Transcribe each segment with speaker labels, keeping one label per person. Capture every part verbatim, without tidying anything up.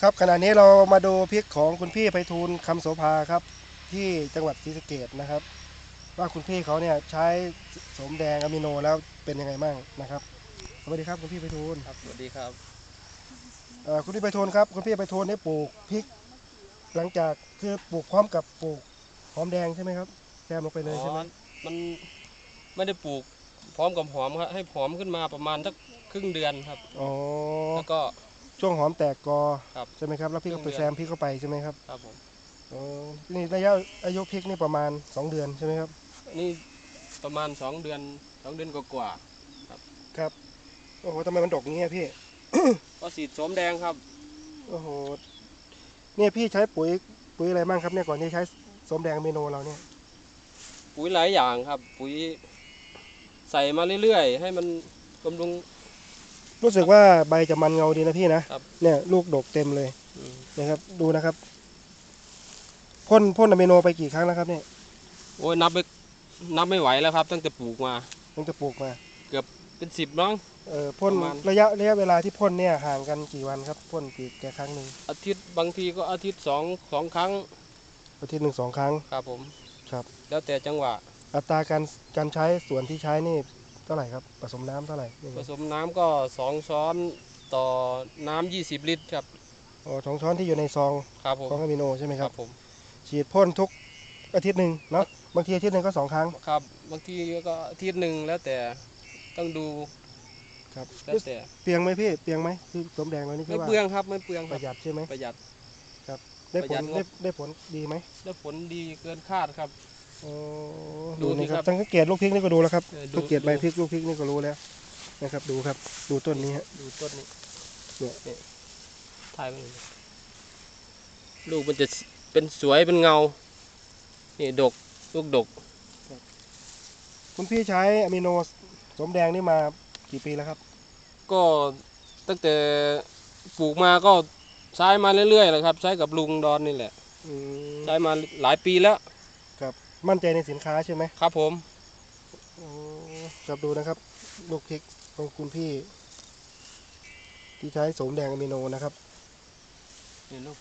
Speaker 1: ครับขณะนี้เรามาดูพริกของคุณพี่ไพฑูรย์คำโสภาครับที่จังหวัดศรีสะเกษนะครับว่าคุณพี่เขาเนี่ยใช้โสมแดงอะมิโนแล้วเป็นยังไงบ้างนะครับสวัสดีครับคุณพี่ไพฑูรย์
Speaker 2: ครับสวัสดีครับ
Speaker 1: เอ่อคุณพี่ไพฑูรย์ครับคุณพี่ไพฑูรย์ได้ปลูกพริกหลังจากคือปลูกพร้อมกับปลูกหอมแดงใช่ไหมครับแซมลงไปเล
Speaker 2: อ๋อ
Speaker 1: ยใช่ไหม
Speaker 2: มันไม่ได้ปลูกพร้อมกับหอมครับให้หอมขึ้นมาประมาณสักครึ่งเดือนครับ
Speaker 1: อ๋อ
Speaker 2: แล้วก็
Speaker 1: ช่วงหอมแตกกอ
Speaker 2: ครับ
Speaker 1: ใช่ไหมครับแล้วพี่ก็ไปแซมพริกเข้าไปใช่ไหมครับ
Speaker 2: ครับผม
Speaker 1: อ๋อนี่ระยะอายุพริกนี่ประมาณสองเดือนใช่ไหมครับ
Speaker 2: นี่ประมาณสองเดือนสองเดือนกว่า
Speaker 1: ครับโอ้โหทำไมมันดกอย่างเงี้ยพี่
Speaker 2: ๆก็สีดโสมแดงครับ
Speaker 1: โอ้โหเนี่ยพี่ใช้ปุ๋ยปุ๋ยอะไรบ้างครับเนี่ยก่อนที่ใช้โสมแดงเมโนเราเนี่ย
Speaker 2: ปุ๋ยหลายอย่างครับปุ๋ยใส่มาเรื่อยๆให้มันบำรุง
Speaker 1: รู้สึกว่าใบจะมันเงาดีนะพี่นะครับเนี่ยลูกดกเต็มเลย
Speaker 2: อืม
Speaker 1: นะครับดูนะครับพ่นพ่นอะมิโนไปกี่ครั้งแล้วครับเนี่ย
Speaker 2: โอ้ยนับไม่นับไม่ไหวแล้วครับตั้งแต่ปลูกมา
Speaker 1: ตั้งแต่ปลูกมา
Speaker 2: เกือบเป็นสิบน้อง
Speaker 1: เอ่อพ่น
Speaker 2: ประมาณ
Speaker 1: ระยะระยะเวลาที่พ่นเนี่ยห่างกันกี่วันครับพ่นกี่แก่ครั้งหนึ่ง
Speaker 2: อาทิตย์บางทีก็อาทิตย์สองสองครั้ง
Speaker 1: อาทิตย์หนึ่งสองครั้ง
Speaker 2: ครับผม
Speaker 1: ครับ
Speaker 2: แล้วแต่จังหวะ
Speaker 1: อัตราการการใช้ส่วนที่ใช้นี่เท่าไหร่ครับผสมน้ำเท่าไหร่ยัง
Speaker 2: ผ
Speaker 1: ไง
Speaker 2: สมน้ำก็สองช้อนต่อน้ำยี่สิบลิตรครับ
Speaker 1: อ๋อสองช้อนที่อยู่ในซอง
Speaker 2: ครับผม
Speaker 1: ของอะมิโนใช่ไหมครับ
Speaker 2: ผม
Speaker 1: ฉีดพ่นทุกอาทิตย์หนึ่งเนาะบางทีอาทิตย์หนึ่งก็สองครั้ง
Speaker 2: ครับบางทีก็อาทิตย์หนึ่งแล้วแต่ต้องดู
Speaker 1: ครับ
Speaker 2: แล้วแต่
Speaker 1: เปลียงไหมพี่เปลียงไหมคือสมแดงเรานี่คื
Speaker 2: ไม่
Speaker 1: อว่า
Speaker 2: เปลืองครับไม่เปลืองค
Speaker 1: ป
Speaker 2: รับ
Speaker 1: ระหยัดใช่ไหม
Speaker 2: ประหยัด
Speaker 1: ได้ผล
Speaker 2: ประหยัดงบ
Speaker 1: ได้ได้ผลดีไหม
Speaker 2: ได้ผลดีเกินคาดครับ
Speaker 1: อ๋อ
Speaker 2: ดู
Speaker 1: ดู
Speaker 2: สิ
Speaker 1: นี่ค
Speaker 2: ครั
Speaker 1: รับบ สังเกตลูกพริกนี่ก็ดูแล้วครับ
Speaker 2: เออดู
Speaker 1: สังเกตใบพริกลูกพริกนี่ก็รู้แล้วนะครับดูครับดูต้นนี้ฮะ
Speaker 2: ดูต้นนี้
Speaker 1: เนี่ย
Speaker 2: นี่ถ่ายไปเลยลูกมันจะเป็นสวยเป็นเงานี่ดกลูกดก
Speaker 1: คุณพี่ใช้อะมิโนสมแดงนี่มากี่ปีแล้วครับ
Speaker 2: ก็ตั้งแต่ปลูกมาก็ใช้มาเรื่อยๆเลยครับใช้กับลุงดอนนี่แหละ
Speaker 1: อืม
Speaker 2: ใช้มาหลายปีแล้ว
Speaker 1: ครับมั่นใจในสินค้าใช่ไหม
Speaker 2: ครับผม
Speaker 1: อ๋อครับดูนะครับ ลูกพริกของคุณพี่ ที่ใช้สมแดงอะมิโนนะครับ
Speaker 2: นี่ลูก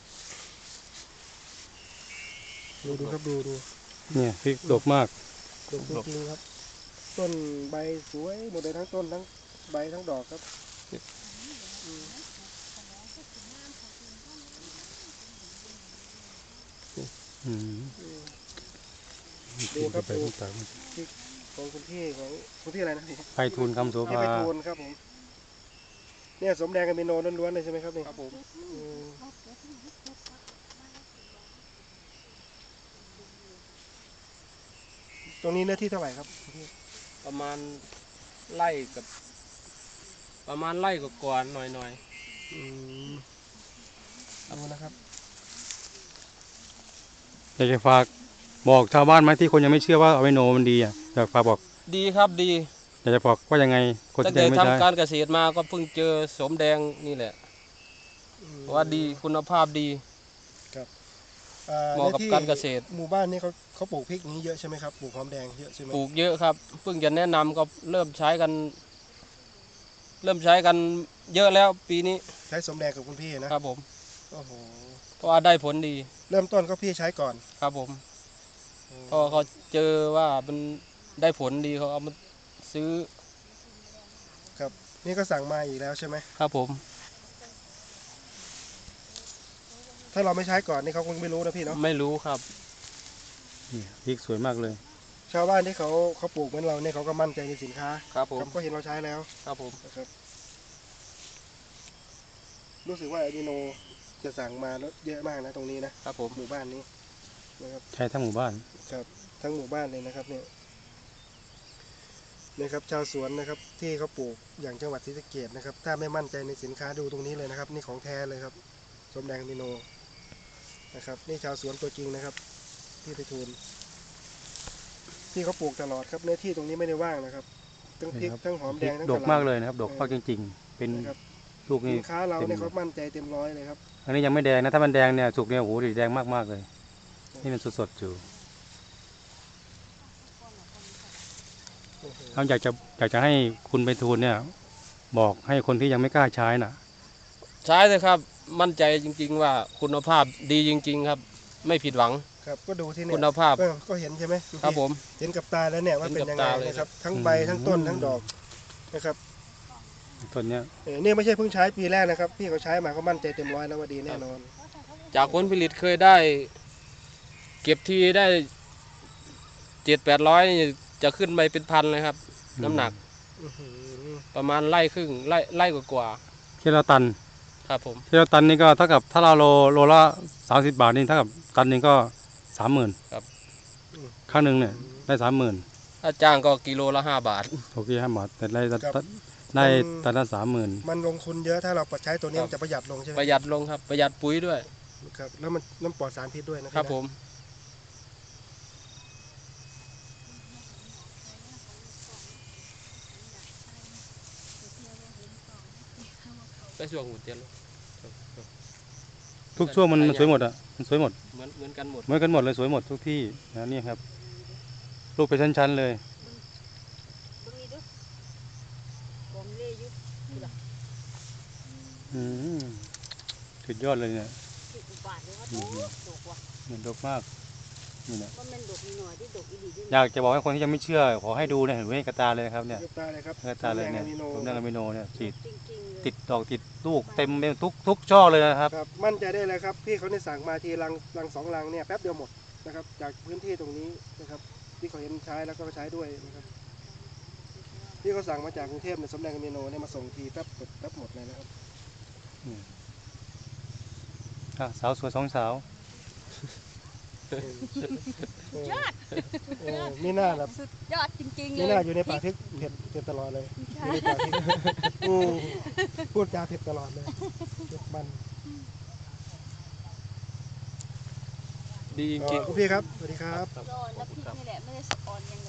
Speaker 1: ดูดูครับดูดู
Speaker 3: เนี่ยพริกดกมาก
Speaker 1: ดกจริงๆครับ ต้นใบสวยหมดเลยทั้งต้นทั้งใบทั้งดอกครับอืม
Speaker 3: อืม
Speaker 1: อืม ดูครับ
Speaker 3: ไป
Speaker 1: ดู
Speaker 3: ต่าง
Speaker 1: ของคุณพี่ของคุณพี่อะไรนะพี่
Speaker 3: ไพฑูรย์คำโส
Speaker 1: พี่
Speaker 3: ภา
Speaker 1: ไปทูลครับผมเนี่ยสมแดงกับมิโนล้วนๆเลยใช่ไหมครับนี่
Speaker 2: ครับผม
Speaker 1: อืมตรงนี้เนื้อที่เท่าไหร่ครับพี่
Speaker 2: ประมาณไร่กับ ประมาณไร่กับกว่าๆหน่อย
Speaker 1: อืมดูนะครับ
Speaker 3: อยากจะฝากบอกชาวบ้านไหมที่คนยังไม่เชื่อว่าอะมิโนมันดีอ่ะอยากฝากบอก
Speaker 2: ๆดีครับดี
Speaker 3: อยากจะบอกว่ายังไงคน
Speaker 2: ตั้ง
Speaker 3: ที่
Speaker 2: แต่
Speaker 3: ยังไม่ใช่
Speaker 2: ทำการเกษตรมาก็เพิ่งเจอสมแดงนี่แหละ
Speaker 1: อืม
Speaker 2: ว่าดีคุณภาพดี
Speaker 1: อ่
Speaker 2: เหมาะกับ
Speaker 1: ในที่
Speaker 2: การเกษตร
Speaker 1: หมู่บ้านนี้เขาเขาปลูกพริกนี้เยอะใช่ไหมครับปลูกหอมแดงเยอะใช่ไหม
Speaker 2: ปลูกเยอะครับเพิ่งจะแนะนำก็เริ่มใช้กัน เริ่มใช้กันเยอะแล้วปีนี้
Speaker 1: ใช้สมแดงกับคุณพี่นะครับ
Speaker 2: ผม
Speaker 1: โอ้โห
Speaker 2: เพราะว่าได้ผลดี
Speaker 1: เริ่มต้นก็พี่ใช้ก่อน
Speaker 2: ครับผมพอเขาเจอว่ามันได้ผลดีเขาเอามาซื้อ
Speaker 1: ครับ นี่ก็สั่งมาอีกแล้วใช่ไหม
Speaker 2: ครับผม
Speaker 1: ถ้าเราไม่ใช้ก่อนนี่เขาคงไม่รู้นะพี่เนาะ
Speaker 2: ไม่รู้ครับ
Speaker 3: เนี่ยพริกสวยมากเลย
Speaker 1: ชาวบ้านที่เขาเขาปลูกเหมือนเราเนี่ยเขาก็มั่นใจในสินค้า
Speaker 2: ครับผม
Speaker 1: ครับก็เห็นเราใช้แล้ว
Speaker 2: ครับผม
Speaker 1: นะครับรู้สึกว่าอะมิโนจะสั่งมาแล้วเยอะมากนะตรงนี้นะครับ
Speaker 2: ผม
Speaker 1: หมู่บ้านนี้นะครับ
Speaker 3: ใช้ทั้งหมู่บ้าน
Speaker 1: ครับทั้งหมู่บ้านเลยนะครับเนี่ยนะครับชาวสวนนะครับที่เขาปลูกอย่างจังหวัดศรีสะเกษนะครับถ้าไม่มั่นใจในสินค้าดูตรงนี้เลยนะครับ นี่ของแท้เลยครับสมแดงอะมิโนนะครับนี่ชาวสวนตัวจริงนะครับพี่ไพฑูรย์ที่เขาปลูกตลอดครับเนื้อที่ตรงนี้ไม่ได้ว่างนะครับทั้งพริก
Speaker 3: ครับ
Speaker 1: ทั้งหอม
Speaker 3: พ
Speaker 1: แด
Speaker 3: ริ
Speaker 1: ง
Speaker 3: ก
Speaker 1: ทั้ง
Speaker 3: ด
Speaker 1: กะ
Speaker 3: ก
Speaker 1: ห
Speaker 3: มาก
Speaker 1: ล่ำ
Speaker 3: เลยนะครับ ดกมากจริงๆ เป็น
Speaker 1: นะครับ
Speaker 3: ลูกนี่
Speaker 1: สินค้าเราเนี่ย
Speaker 3: เต็ม
Speaker 1: เขามั่นใจเต็มร้อยเลยครับ
Speaker 3: อันนี้ยังไม่แดงนะถ้ามันแดงเนี่ยสุกเนี่ยโอ้โหดิแดงมากๆเลยนี่มันสดๆอยู่
Speaker 1: โอ้โห
Speaker 3: เราอยากจะอยากจะให้คุณไพฑูรย์เนี่ยบอกให้คนที่ยังไม่กล้าใช้น่ะ
Speaker 2: ใช้เลยครับมั่นใจจริง ๆ ว่าคุณภาพดีจริง ๆ ครับ ไม่ผิดหวัง
Speaker 1: ครับก็ดูที่เนี่
Speaker 2: คุ
Speaker 1: ย
Speaker 2: ณภาพ
Speaker 1: ก็ก็เห็นใช่ไหมณ
Speaker 2: ครับ
Speaker 1: พี่
Speaker 2: ผม
Speaker 1: เห็นกับตาแล้วเนี่ยว่า
Speaker 2: เห็น
Speaker 1: เป็น
Speaker 2: กับ
Speaker 1: ยังไง
Speaker 2: ตาเลย
Speaker 1: นะครับ ทั้งใบทั้งต้นทั้งดอกนะครับ
Speaker 3: ต้นเนี้ย
Speaker 1: เออเนี่ยไม่ใช่เพิ่งใช้ปีแรกนะครับ พี่เขาใช้มาเขามั่นใจเต็มร้อยแล้วว่าดีแน่นอน
Speaker 2: จากผลผลิตเคยได้ เก็บทีได้เจ็ดแปดร้อยจะขึ้นไปเป็นพันเลยครับ น้ำหนัก
Speaker 1: อื้อหือ
Speaker 2: ประมาณไร่ครึ่งไร่ไร่กว่า
Speaker 3: ที่เราตัน
Speaker 2: ๆครับผม
Speaker 3: ที่เราตันนี่ก็เท่ากับถ้าเราโลโลละสามสิบบาทนี่เท่ากับตันหนึงก็สามหมื่น
Speaker 2: ครับ
Speaker 3: ข้างหนึ่งเนี่ยได้สามหมื่น
Speaker 2: ถ้าจ้างก็กิโลละห้าบาท
Speaker 3: โอเคห้าบาทแต่ได้
Speaker 1: ครับ
Speaker 3: ได้ตันละสามหมื่น
Speaker 1: มันลงทุนเยอะถ้าเราปัดใช้ตัวนี้
Speaker 2: ครับ
Speaker 1: มันจะประหยัดลงใช่ไหม
Speaker 2: ประหยัดลงครับ ประหยัดปุ๋ยด้วย
Speaker 1: ครับแล้วมันน้ำปลอดสารพิษด้วยนะ
Speaker 2: ค
Speaker 1: ค
Speaker 2: รั
Speaker 1: รั
Speaker 2: บบ ผม ไปช่วงหูเตียนลูก
Speaker 3: ทุกช่วงมันมันสวยหมดอ่ะมันสวยหมด
Speaker 2: เหมือนเหมือนกันหมด
Speaker 3: เหมือนกันหมดเลยสวยหมดทุกที่นะนี่ครับลูกเป็นชั้นๆเลย
Speaker 4: ตรงนี้ดูผมเล่ยุบ
Speaker 3: อืมสุดยอดเลยเนี่ย
Speaker 4: ที่อุบาทเลยว่า
Speaker 3: อื
Speaker 4: ด
Speaker 3: ม
Speaker 4: กดกว่ะ
Speaker 3: เห็นดกมากนี่นะ
Speaker 4: ว่ามันดกนิดหน่อยที่ดกอีดีด้วย
Speaker 3: อยากจะบอกให้คนที่ยังไม่เชื่อขอให้ดูเนี่ยเห็นไหมกระตาเลยนะครับเนี่ย
Speaker 1: เก็บตาเลยครับ
Speaker 3: กระตาเลยเนี่ย
Speaker 1: แมงอะมิโน
Speaker 3: ผมนั่งอะมิโนเนี่ยฉีด
Speaker 4: จริงๆเลย
Speaker 3: ติดดอกติดลูกเต็มไปทุกทุกช่อเลยนะครับ
Speaker 1: ครับมั่นใจได้เลยครับพี่เขาเนี่ยสั่งมาทีลังลังสองลังเนี่ยแป๊บเดียวหมดนะครับจากพื้นที่ตรงนี้นะครับที่เขาเห็นใช้แล้วก็ใช้ด้วยนะครับพี่เขาสั่งมาจากกรุงเทพเนี่ยสมแดงอะมิโนเนี่ยมาส่งทีแป๊บหมดแป๊บหมดเลยนะครับ
Speaker 3: อ่ะสาวสวยสองสาว
Speaker 1: ยอดมีหน้าแบบ
Speaker 4: สุดยอดจริงๆเล
Speaker 1: มี
Speaker 4: ย
Speaker 1: หน้าอยู่ในป่าพริกเผ็ดเผ็ดตลอดเลยอยู่ในป่าพริกอืมพูดจาเผ็ดตลอดเลยเผ็ดมัน
Speaker 2: ดีจริง
Speaker 1: คุณพี่ครับสวัสดีครับ
Speaker 2: ๆครับ
Speaker 4: รอดแล้วพริกนี่แหละไม่ได้สะออนอย่าง